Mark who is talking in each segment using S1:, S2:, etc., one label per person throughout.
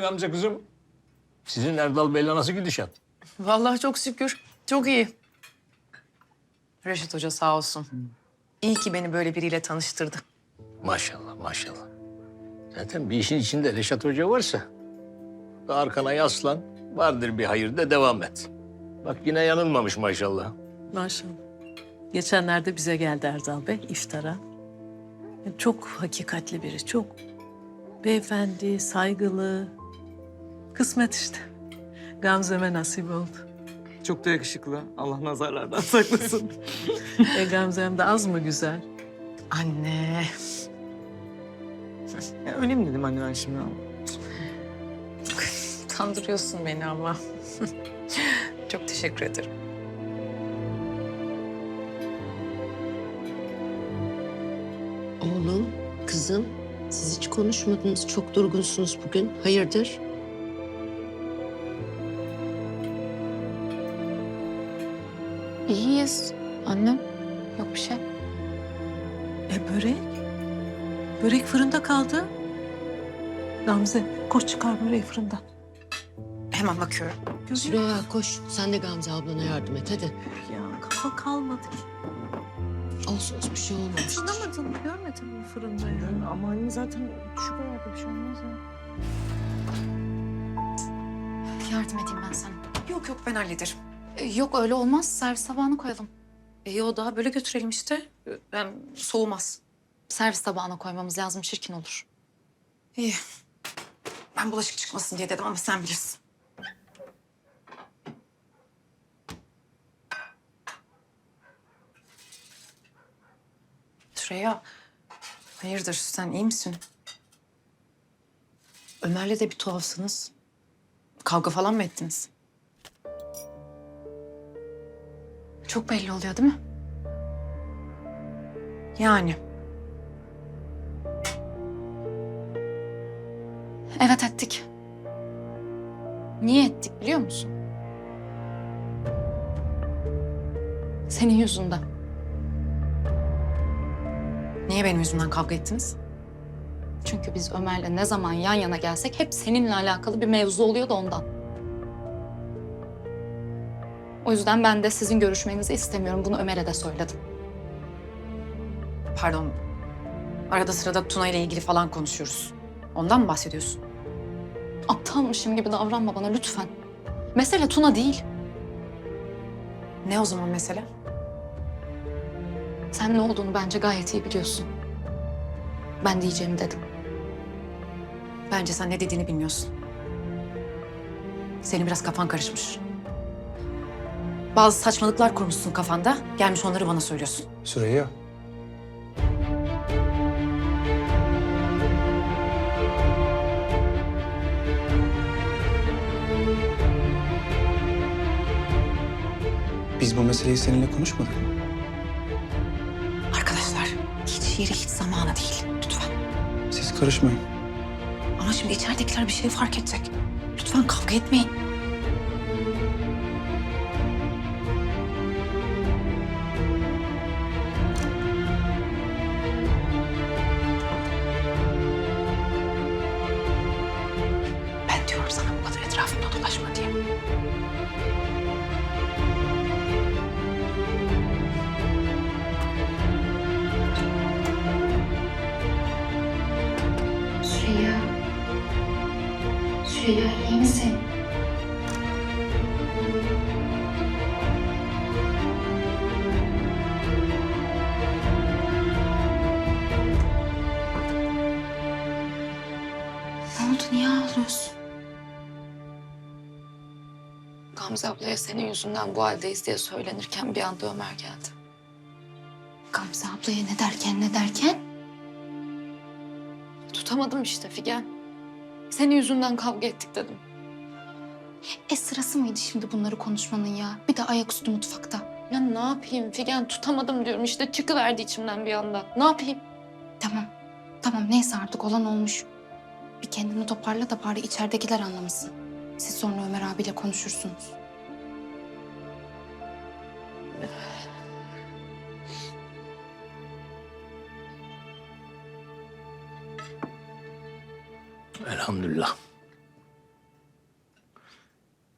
S1: Gamze kızım? Sizin Erdal Bey'le nasıl gidişat?
S2: Vallahi çok şükür. Çok iyi. Reşit Hoca sağ olsun. İyi ki beni böyle biriyle tanıştırdı.
S1: Maşallah maşallah. Zaten bir işin içinde Reşat Hoca varsa arkana yaslan, vardır bir hayır de devam et. Bak yine yanılmamış maşallah.
S3: Maşallah. Geçenlerde bize geldi Erdal Bey iftara. Çok hakikatli biri, çok. Beyefendi, saygılı. Kısmet işte. Gamze'me nasip oldu.
S4: Çok da yakışıklı. Allah nazarlardan saklasın.
S3: Gamze'm de az mı güzel?
S2: Anne.
S4: Ya, öyle mi dedim anne ben şimdi?
S2: Kandırıyorsun beni ama. Çok teşekkür ederim.
S5: Oğlum, kızım, siz hiç konuşmadınız. Çok durgunsunuz bugün. Hayırdır?
S6: İyiyiz annem. Yok bir şey.
S3: Börek? Börek fırında kaldı. Gamze, koş çıkar böreği fırından.
S2: Hemen bakıyorum.
S5: Süreyya koş. Sen de Gamze ablana yardım et hadi.
S3: Ya kafa kalmadı ki.
S5: Olsun bir şey olmamış.
S3: Anlamadın mı? Görmedin mi fırında ya?
S4: Yani ama anne zaten düşük ayakta bir şey olmaz ya.
S6: Yardım edeyim ben sana.
S2: Yok yok ben hallederim.
S6: Yok öyle olmaz. Servis tabağına koyalım.
S2: Yo daha böyle götürelim işte. Hem soğumaz.
S6: Servis tabağına koymamız lazım. Çirkin olur.
S2: İyi. Ben bulaşık çıkmasın diye dedim ama sen bilirsin. Süreyya, hayırdır sen iyi misin? Ömer'le de bir tuhafsınız. Kavga falan mı ettiniz?
S6: Çok belli oluyor değil mi?
S2: Yani.
S6: Evet ettik. Niye ettik biliyor musun? Senin yüzünden.
S2: Niye benim yüzümden kavga ettiniz?
S6: Çünkü biz Ömer'le ne zaman yan yana gelsek hep seninle alakalı bir mevzu oluyor da ondan. O yüzden ben de sizin görüşmenizi istemiyorum. Bunu Ömer'e de söyledim.
S2: Pardon. Arada sırada Tuna ile ilgili falan konuşuyoruz. Ondan mı bahsediyorsun?
S6: Aptalmışım gibi davranma bana lütfen. Mesele Tuna değil.
S2: Ne o zaman mesele?
S6: Sen ne olduğunu bence gayet iyi biliyorsun. Ben diyeceğimi dedim.
S2: Bence sen ne dediğini bilmiyorsun. Senin biraz kafan karışmış. Bazı saçmalıklar kurmuşsun kafanda. Gelmiş onları bana söylüyorsun.
S7: Süreyya. Biz bu meseleyi seninle konuşmadık mı?
S2: Arkadaşlar hiç yeri hiç zamanı değil. Lütfen.
S7: Siz karışmayın.
S2: Ama şimdi içeridekiler bir şey fark edecek. Lütfen kavga etmeyin. Ben diyorum sana bu kadar etrafımda dolaşma diye.
S6: Süreyya. Süreyya iyi misin? Ne oldu? Niye ağlıyorsun? Gamze ablaya senin yüzünden bu haldeyiz diye söylenirken bir anda Ömer geldi. Gamze ablaya ne derken? Tutamadım işte Figen. Senin yüzünden kavga ettik dedim. Sırası mıydı şimdi bunları konuşmanın ya? Bir de ayaküstü mutfakta. Ya ne yapayım Figen, tutamadım diyorum işte, çıkıverdi içimden bir anda. Ne yapayım? Tamam neyse artık olan olmuş. Bir kendini toparla da bari içeridekiler anlamasın. Siz sonra Ömer abiyle konuşursunuz.
S1: Elhamdülillah.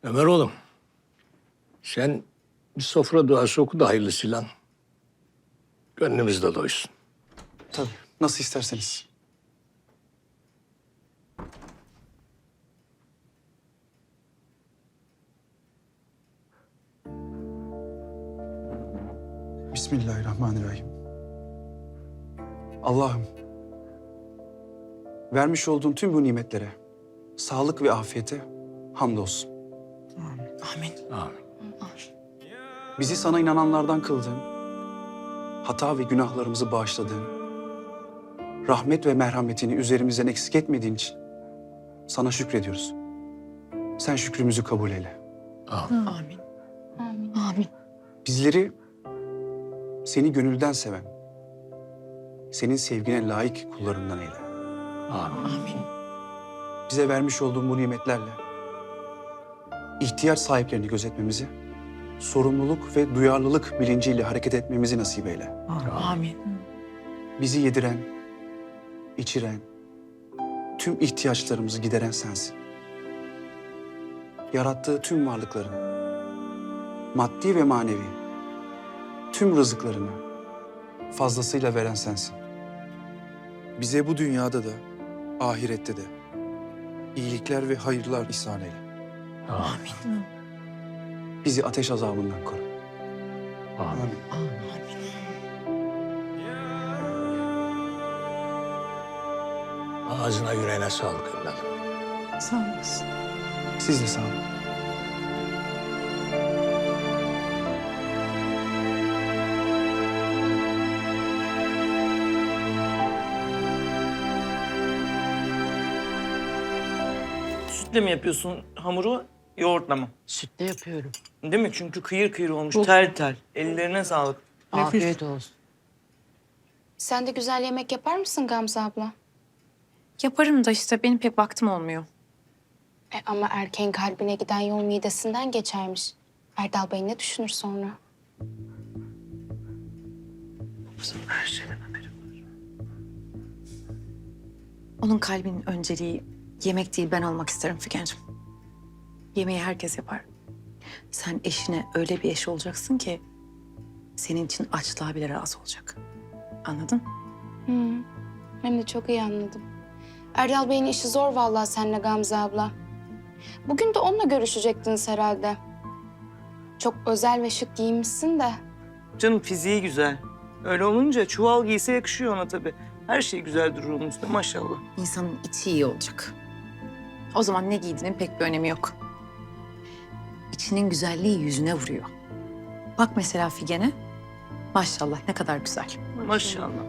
S1: Ömer oğlum, sen bir sofra duası oku da hayırlısıyla. Gönlümüz de doysun.
S7: Tabii. Nasıl isterseniz. Bismillahirrahmanirrahim. Allah'ım, vermiş olduğun tüm bu nimetlere, sağlık ve afiyete hamdolsun.
S2: Amin.
S1: Amin.
S7: Bizi sana inananlardan kıldın, hata ve günahlarımızı bağışladın, rahmet ve merhametini üzerimizden eksik etmediğin için sana şükrediyoruz. Sen şükrümüzü kabul eyle.
S1: Amin.
S2: Amin.
S6: Amin.
S2: Amin.
S7: Bizleri seni gönülden seven, senin sevgine layık kullarından eyle.
S1: Amin.
S2: Amin.
S7: Bize vermiş olduğun bu nimetlerle ihtiyaç sahiplerini gözetmemizi, sorumluluk ve duyarlılık bilinciyle hareket etmemizi nasip eyle.
S2: Amin.
S7: Bizi yediren, içiren, tüm ihtiyaçlarımızı gideren sensin. Yarattığı tüm varlıkların, maddi ve manevi, tüm rızıklarını fazlasıyla veren sensin. Bize bu dünyada da, ahirette de iyilikler ve hayırlar ihsan eyle.
S1: Amin.
S7: Bizi ateş azabından koru.
S1: Amin. Ağzına yüreğine sağlık evladım.
S3: Sağ olasın.
S7: Siz de sağ olun.
S4: Sütle mi yapıyorsun hamuru, yoğurtla mı?
S8: Sütle yapıyorum.
S4: Değil mi? Çünkü kıyır kıyır olmuş, tel tel. Ellerine sağlık.
S8: Afiyet olsun.
S6: Sen de güzel yemek yapar mısın Gamze abla?
S2: Yaparım da işte benim pek vaktim olmuyor.
S6: Ama erkeğin kalbine giden yol midesinden geçermiş. Erdal Bey ne düşünür sonra?
S2: Onun kalbinin önceliği yemek değil ben olmak isterim Figen'cim. Yemeği herkes yapar. Sen eşine öyle bir eş olacaksın ki senin için açlığa bile razı olacak. Anladın?
S6: Hem de çok iyi anladım. Erdal Bey'in işi zor vallahi seninle Gamze abla. Bugün de onunla görüşecektiniz herhalde. Çok özel ve şık giyinmişsin de.
S4: Canım fiziği güzel. Öyle olunca çuval giyse yakışıyor ona tabii. Her şey güzel durur onun üstünde maşallah.
S2: İnsanın içi iyi olacak. O zaman ne giydiğinin pek bir önemi yok. İçinin güzelliği yüzüne vuruyor. Bak mesela Figen'e. Maşallah ne kadar güzel.
S4: Maşallah.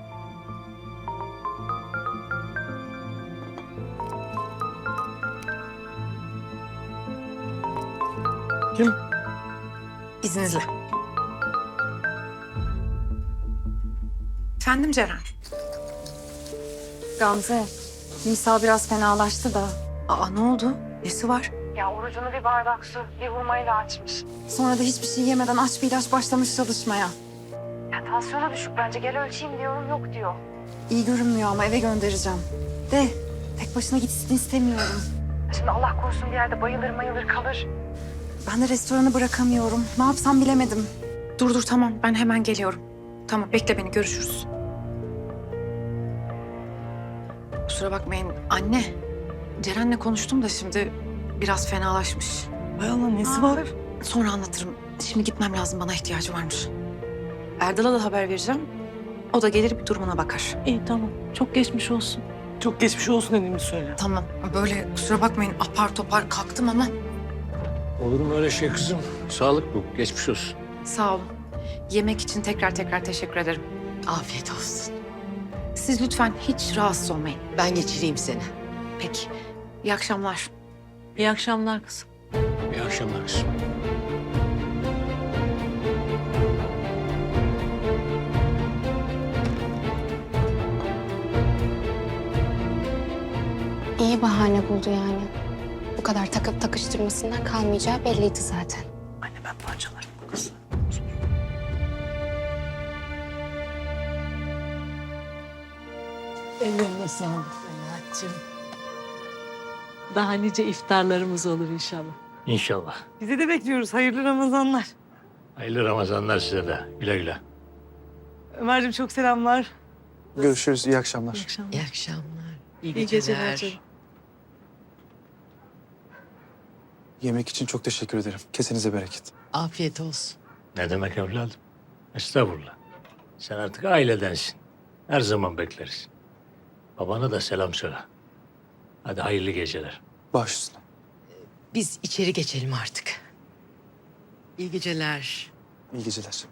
S4: Kim?
S2: İzninizle. Efendim Ceren.
S9: Gamze, Nisa biraz fenalaştı da.
S2: Aa ne oldu? Nesi var?
S9: Ya orucunu bir bardak su, bir hurmayla açmış. Sonra da hiçbir şey yemeden aç bir ilaç başlamış çalışmaya. Ya tansiyonu düşük bence, gel ölçeyim diyorum, yok diyor. İyi görünmüyor ama eve göndereceğim. De, tek başına gitsin istemiyorum. Şimdi Allah korusun bir yerde bayılır kalır. Ben de restoranı bırakamıyorum. Ne yapsam bilemedim.
S2: Dur tamam ben hemen geliyorum. Tamam bekle beni görüşürüz. Kusura bakmayın anne. Ceren'le konuştum da şimdi biraz fenalaşmış.
S4: Hay Allah nesi var?
S2: Sonra anlatırım. Şimdi gitmem lazım bana ihtiyacı varmış. Erdal'a da haber vereceğim. O da gelir bir durumuna bakar.
S3: İyi tamam. Çok geçmiş olsun.
S4: Çok geçmiş olsun dediğimi söyle.
S2: Tamam böyle kusura bakmayın apar topar kalktım ama
S1: Olur mu öyle şey kızım? Sağlık bu. Geçmiş olsun.
S2: sağ olun. Yemek için tekrar teşekkür ederim.
S8: Afiyet olsun.
S2: Siz lütfen hiç rahatsız olmayın.
S8: Ben geçireyim seni.
S2: Peki. İyi akşamlar.
S3: İyi akşamlar kızım.
S1: İyi akşamlar kızım.
S6: İyi bahane buldu yani. Bu kadar takıp takıştırmasından kalmayacağı belliydi zaten.
S4: Anne ben parçalarım bu kızı.
S3: Ellerine sağlık Hayat'cığım. Daha nice iftarlarımız olur inşallah.
S1: İnşallah.
S4: Bize de bekliyoruz. Hayırlı Ramazanlar.
S1: Hayırlı Ramazanlar size de. Güle güle.
S4: Ömerciğim çok selamlar.
S7: Görüşürüz. İyi akşamlar.
S3: İyi akşamlar.
S8: İyi akşamlar. İyi
S3: İyi geceler canım.
S7: Yemek için çok teşekkür ederim. Kesinize bereket.
S8: Afiyet olsun.
S1: Ne demek evladım? Estağfurullah. Sen artık ailedensin. Her zaman bekleriz. Babana da selam söyle. Hadi hayırlı geceler.
S7: Baş üstüne.
S8: Biz içeri geçelim artık. İyi geceler.
S7: İyi geceler.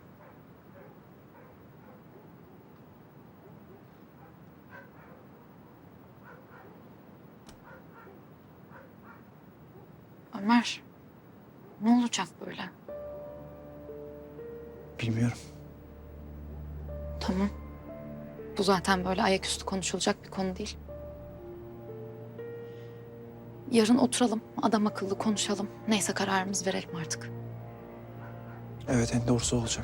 S6: Ömer, ne olacak böyle?
S7: Bilmiyorum.
S6: Tamam. Bu zaten böyle ayaküstü konuşulacak bir konu değil. Yarın oturalım, adam akıllı konuşalım. Neyse kararımızı verelim artık.
S7: Evet, en doğrusu olacak.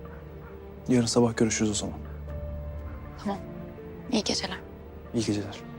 S7: Yarın sabah görüşürüz o zaman.
S6: Tamam. İyi geceler.
S7: İyi geceler.